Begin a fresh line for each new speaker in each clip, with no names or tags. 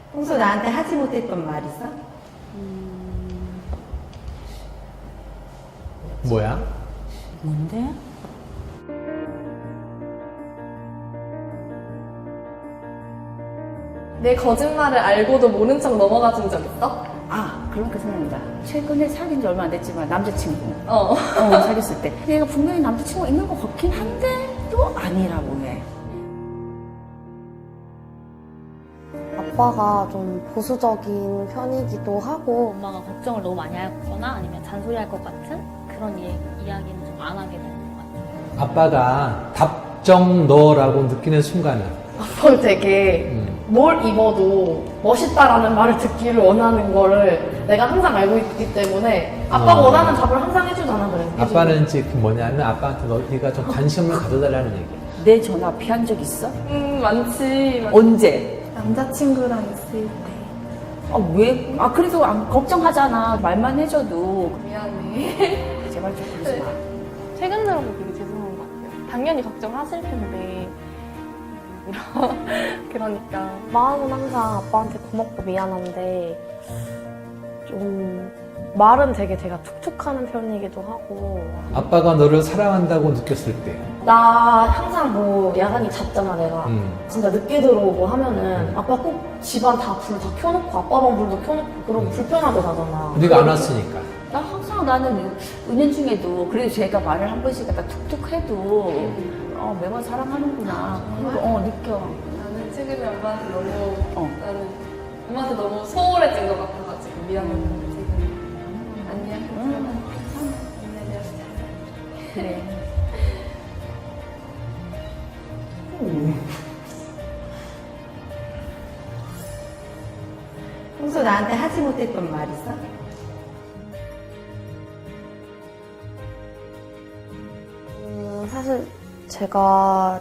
평소 나한테 하지 못했던 말 있어?
뭐야?
뭔데?
내 거짓말을 알고도 모른 척 넘어가 준 적 있어?
아, 그러니까 생각난다. 최근에 사귄 지 얼마 안 됐지만 남자친구.
어.
사귀었을 때. 얘가 분명히 남자친구가 있는 것 같긴 한데 또 아니라고 해.
아빠가 좀 보수적인 편이기도 하고
엄마가 걱정을 너무 많이 하거나 아니면 잔소리할 것 같은 그런 이야기는 좀 안 하게 되는 것 같아요.
아빠가 답정 너라고 느끼는 순간은
아빠는 되게 뭘 입어도 멋있다라는 말을 듣기를 원하는 거를 내가 항상 알고 있기 때문에 아빠가 원하는 답을 항상 해주잖아. 그래.
아빠는 이제 그 뭐냐면 아빠한테 네가 좀 관심을 가져달라는 얘기야.
내 전화 피한 적 있어?
많지.
언제?
남자친구랑 있을 때.
아, 왜? 아, 그래도 걱정하잖아. 말만 해줘도.
미안해.
제발 좀 그러지 마.
최근 들어서 되게 죄송한 것 같아요. 당연히 걱정하실 텐데. 그러니까.
마음은 항상 아빠한테 고맙고 미안한데 좀 말은 되게 제가 툭툭하는 편이기도 하고
아빠가 너를 사랑한다고 느꼈을 때
나 항상 뭐 야간이 잤잖아 내가 진짜 늦게 들어오고 하면은 아빠 꼭 집안 다 불 다 켜놓고 아빠 방 불도 켜놓고 그러고 불편하게 자잖아.
네가 안 왔으니까.
나 항상 나는 은연중에도 그래도 제가 말을 한 번씩 갖다 툭툭 해도 매번 사랑하는구나. 그거 느껴.
나는 최근에 엄마한테 나는 엄마한테 너무 소홀해진 것 같아가지고 미안했는데 지금 안녕. 안녕.
그래.
평소 나한테 하지 못했던 말 있어?
사실 제가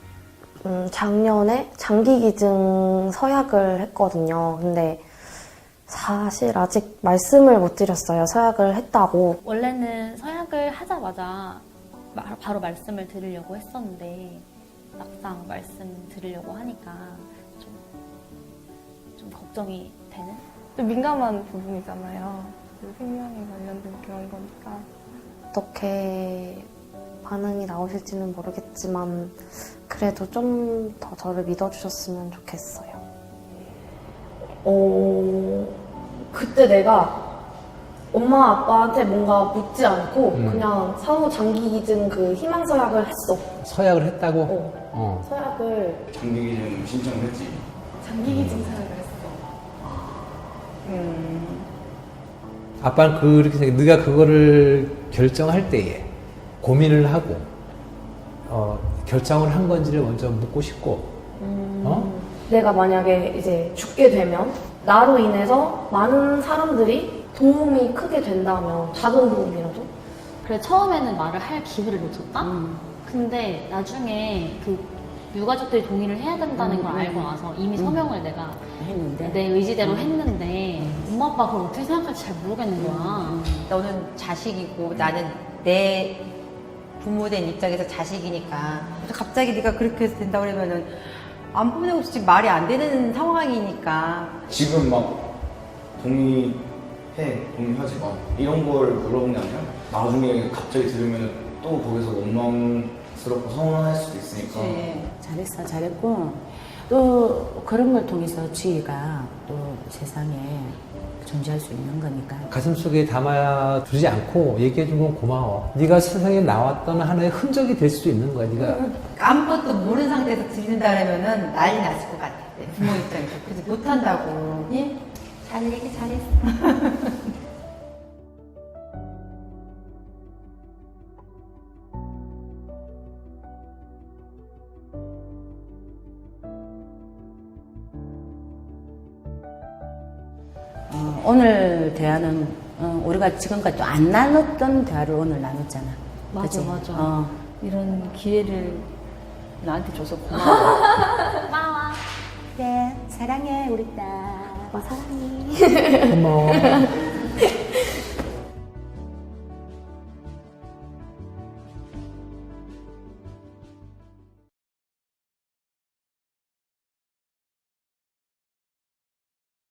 작년에 장기기증 서약을 했거든요. 근데 사실 아직 말씀을 못 드렸어요. 서약을 했다고.
원래는 서약을 하자마자 바로 말씀을 드리려고 했었는데 막상 말씀 드리려고 하니까 좀 걱정이 되는?
좀 민감한 부분이잖아요. 그 생명에 관련된 그런 거니까.
어떻게 반응이 나오실지는 모르겠지만 그래도 좀 더 저를 믿어주셨으면 좋겠어요.
그때 내가 엄마 아빠한테 뭔가 묻지 않고 그냥 사후 장기기증 그 희망서약을 했어.
서약을 했다고?
서약을
장기기증 신청을 했지.
장기기증 사약을 했어.
아빠는 그렇게 생각해. 네가 그거를 결정할 때에 고민을 하고 결정을 한 건지를 먼저 묻고 싶고
내가 만약에 이제 죽게 되면 나로 인해서 많은 사람들이 도움이 크게 된다면 작은 도움이라도
그래 처음에는 말을 할 기회를 놓쳤다? 근데 나중에 그 유가족들이 동의를 해야 된다는 걸 알고 나서 이미 서명을 내가
했는데.
내 의지대로 했는데 엄마 아빠가 그걸 어떻게 생각할지 잘 모르겠는 거야.
너는 자식이고 나는 내 부모된 입장에서 자식이니까 갑자기 네가 그렇게 해서 된다고 그러면은 안 보내고 지금 말이 안 되는 상황이니까
지금 막 동의하지 마 이런 걸 물어본 게 아니라 나중에 갑자기 들으면 또 거기서 원망스럽고 서운할 수도 있으니까.
잘했어, 잘했고 또 그런 걸 통해서 지혜가 또 세상에 존재할 수 있는 거니까.
가슴속에 담아두지 않고 얘기해준 건 고마워. 네가 세상에 나왔던 하나의 흔적이 될 수도 있는 거야. 네가
아무것도 모르는 상태에서 들린다 그러면은 난리 났을 것 같아. 부모 입장에서. 그래서 못한다고. 예? 잘 얘기 잘했어.
오늘 대화는 우리가 지금까지 또 안 나눴던 대화를 오늘 나눴잖아.
맞아,
그치?
맞아.
이런 기회를 나한테 줘서 고마워.
고마워.
그래, 사랑해, 우리 딸.
아빠 사랑해.
고마워.